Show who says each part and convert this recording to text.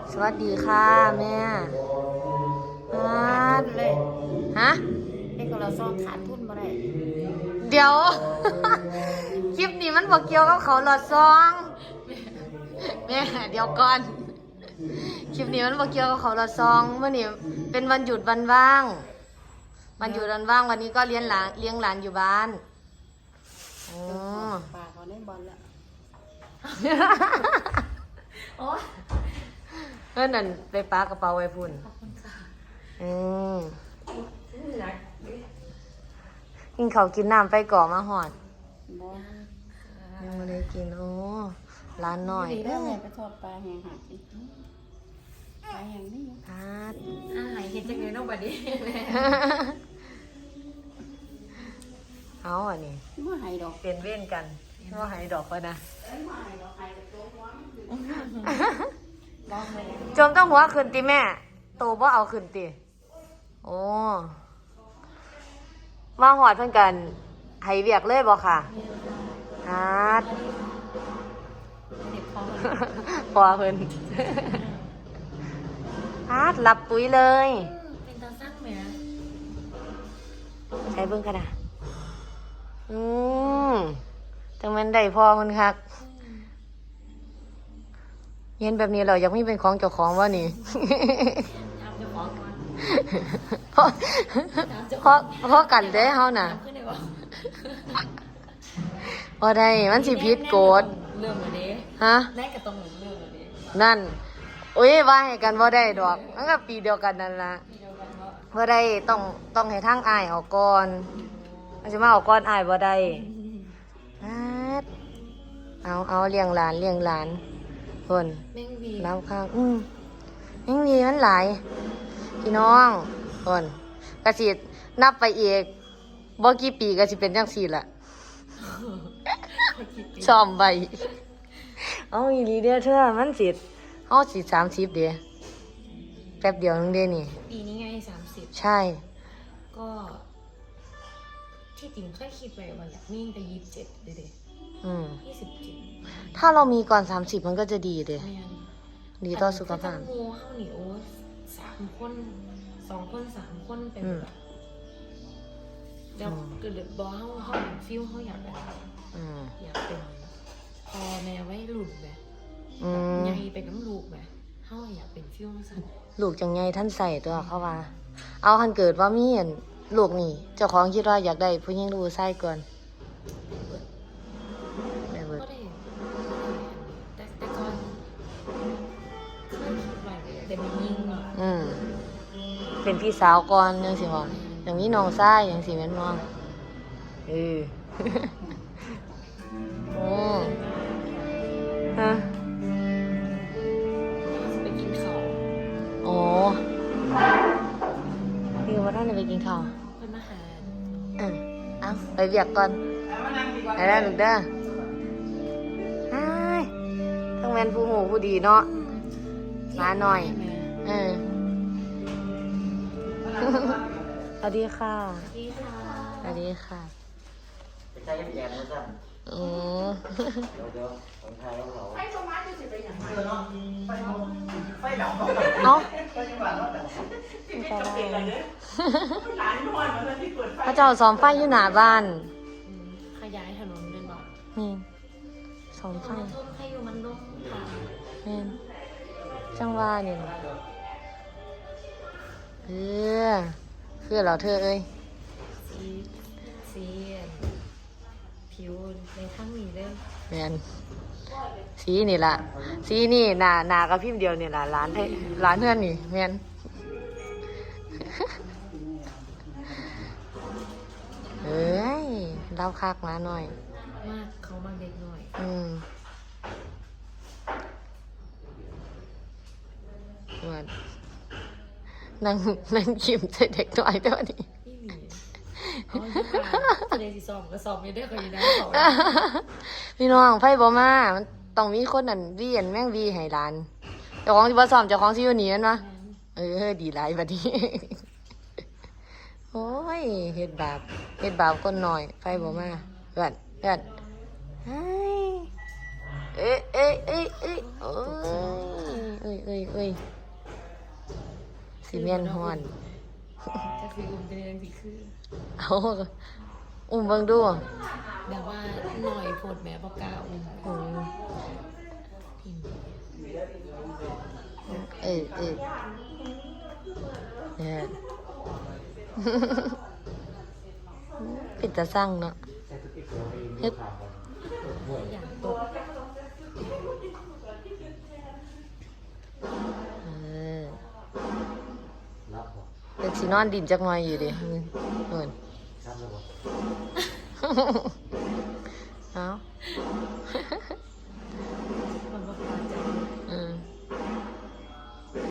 Speaker 1: สวัสดีค่ะแม่
Speaker 2: ขาดทุนเลย
Speaker 1: ฮะ
Speaker 2: เด็กของเราซ่องขาดทุนมาได้
Speaker 1: เดี๋ยว คลิปนี้มันบอกเกี่ยวกับเขาหลอดซองแม่เดี๋ยวก่อน คลิปนี้มันบอกเกี่ยวกับเขาหลอดซองเมื่อนี้เป็นวันหยุดวันว่างวันหยุดวันว่างวันนี้ก็เลี้ยงหลานอยู่บ้านอ๋อ
Speaker 2: ปากเขาได้บอลแล้ว
Speaker 1: โอ้เพื่อนนั่นไปปากระเป๋าไว้พุ่น
Speaker 2: ขอบคุณค่ะ
Speaker 1: อืมกินข้าวกินน้ำไปก่อมาหอด
Speaker 2: บอล
Speaker 1: ยังไม่ได้กินโอ้ร้านหน่อย
Speaker 2: ดีแล้วแม่ไปทอดปลาแห้งหากินปลาแห้งนี่
Speaker 1: พัด
Speaker 3: หายเห็นจังเลยน้องบัดนี้
Speaker 1: เอาอันนี้
Speaker 2: ว่าหายดอก
Speaker 1: เปลี่ยนเว้นกันว่าหายดอกก็นะ
Speaker 2: ว่าหายดอกหายกับตัวหัวลองเลย
Speaker 1: จมต้องหัวขึ้นติแม่โตบ่เอาขึ้นติโอ้มาหอดเพื่อนกันให้เวียกเลยบ่ค่ะฮัด
Speaker 2: เด็กเขา
Speaker 1: พอเพิ่นฮัดหลับปุ๋ยเลย
Speaker 3: เป็นตาสร้างแหม
Speaker 1: ใช้เบิ่งกันนะจังแม่นได้พอมันคักเย็นแบบนี้เราอยากมีเป็นของเจ้าของว่านี่
Speaker 3: ทำเจ้าของก่อน
Speaker 1: เพราะเพราะกันเด้เฮาน่ะ
Speaker 3: ทำขึ้นได้บ่
Speaker 1: บ่ได้มันสิผิดกฎ
Speaker 3: เรื่องเลยเด้
Speaker 1: ฮะ
Speaker 3: แรกก็ต้องเรื่องเลยเด้
Speaker 1: นั่นอุ้ยว่าให้กันบ่ได้ดอกมันก็ปีเดียวกันนั่นล่ะ
Speaker 3: มีเดียวกันว่า
Speaker 1: บ่ได้ต้องให้ทางอ้ายเอาก่อนมันสิมาเอาก่อนอ้ายบ่ได้ฮัดเอาเลี้ยงหลานเพิ่น
Speaker 3: แม่งวี
Speaker 1: แล้วค่ะยังมีมันหลายพี่น้องคนกระสินับไปอีกบ่กี่ปีก็สิเป็นจังซี่ล่ะซ้อมไปเอาอีหลีเด้อเธอมันสิเฮาสิ30เด้แป๊บเดียวนึงเด้นี่
Speaker 3: ปีนี้ไง30
Speaker 1: ใช่
Speaker 3: ก็ที่จริงเคยคิดไว้ว่าอยากมีแต่27เด้27
Speaker 1: ถ้าเรามีก่อน30มันก็จะดีเด้
Speaker 3: แม่น
Speaker 1: ดีต่อสุขภาพ
Speaker 3: แต่งูเฮานี่โอ้3คน2คน3คนเป็นแบบแล้วเกิดบ่เฮาเป็นฟิลเฮาอยากแบบ
Speaker 1: อืม
Speaker 3: อยากเป็นพ่อแม่ไว้หลุดแบบ
Speaker 1: อืม
Speaker 3: ใหญ่เป็นน้ำลูกแบบเฮาอยากเป็นฟิวสั่น
Speaker 1: ลูกจังไงท่านใส่ตัวเขาว่า เอาคันเกิดว่ามีอันลูกนี่ เจ้าของคิดว่าอยากได้ผู้หญิงดูไส้ก่อนได้เบิด
Speaker 3: ก็ได้แต่ก่อนเคยคิดไว้แต่มันยิ่งเนาะ
Speaker 1: เป็นพี่สาวก่อนยังสิบอกอย่างนี้น้องไส้ยังสิแม่นมองโอ้ฮะ
Speaker 3: ไปกินข้าว
Speaker 1: โอ้พี่ว่าท่านจะไปกินข้าว
Speaker 3: เพิ่นมาหา
Speaker 1: เอาไปเบียกก่อนไปแล้วลูกเด้อไอ้ต้องแม่นผู้หูผู้ดีเนาะมาหน่อยสวัสดีค่ะ
Speaker 3: พี่ค่ะ
Speaker 1: สวัสดีค่ะ
Speaker 4: ไปใช้แอนนะจ๊ะ
Speaker 1: อืม
Speaker 4: เดี๋ยวผมทายแล้วเขา
Speaker 2: ไฟสมาร์ทจะสิไปอย่างไร
Speaker 4: เนาะไฟดับ
Speaker 1: เอ้า
Speaker 4: ไฟยังหวานแล้วแต่
Speaker 2: หลานนอนมาที่เปิดไฟ
Speaker 1: พระเจ้าซ้อมไฟอยู่หน้าบ้าน
Speaker 3: ขยายถนนเป็นบอก
Speaker 1: นี่ซ้อมไฟ
Speaker 3: มันทุ่มให้อยู่มันลุ่มค่ะ
Speaker 1: นี่จังว่านี่นะคือเราเธอเอ้ย
Speaker 3: สีผิวในทั้งนี้เด้อ
Speaker 1: แมนสีนี่ล่ะสีนี่หนากับพิมพ์เดียวนี่ล่ะร้านเพื่อนนี่แมนเอ้ยเล่าคักมาหน่อย
Speaker 3: มากเขามาเด็กหน่อย
Speaker 1: ว่านั่งคิมใส่เด็กน้อยตัวนี้
Speaker 3: พี่หมีเอาอยู่ค่ะจะได้สิสอบก็สอบไม่ได้ก็อยู่ได้สอบ
Speaker 1: พี่น้องไฟบ่มามันต้องมีคนนั่นวีอันแม่งวีให้ร้านเจ้าของที่บ่ซ้อมเจ้าของที่อยู่นี่นั่นวะดีหลายบัดนี้ โอ้ยเฮ็ดบาปคนหน่อยไฟบ่มาเพื่อนเฮ้ยโอ้ยสีเมียนฮอน
Speaker 3: จะคืออุ้มจะเรียนสิคือ
Speaker 1: เอาอุ้มเบิ่งดู
Speaker 3: แบบว่าหน่อยโพดแม่บอกกล้าอุ้ม
Speaker 1: อืม
Speaker 3: พิมพ์
Speaker 1: เนี่ย ปิดตาสั่งเนาะเฮ็ด
Speaker 3: อย่างตก
Speaker 4: รับบ่
Speaker 1: เป็นสีนอนดินจักหน่อยอยู่ดิเอิน
Speaker 4: รับแล้วบ่
Speaker 1: เอา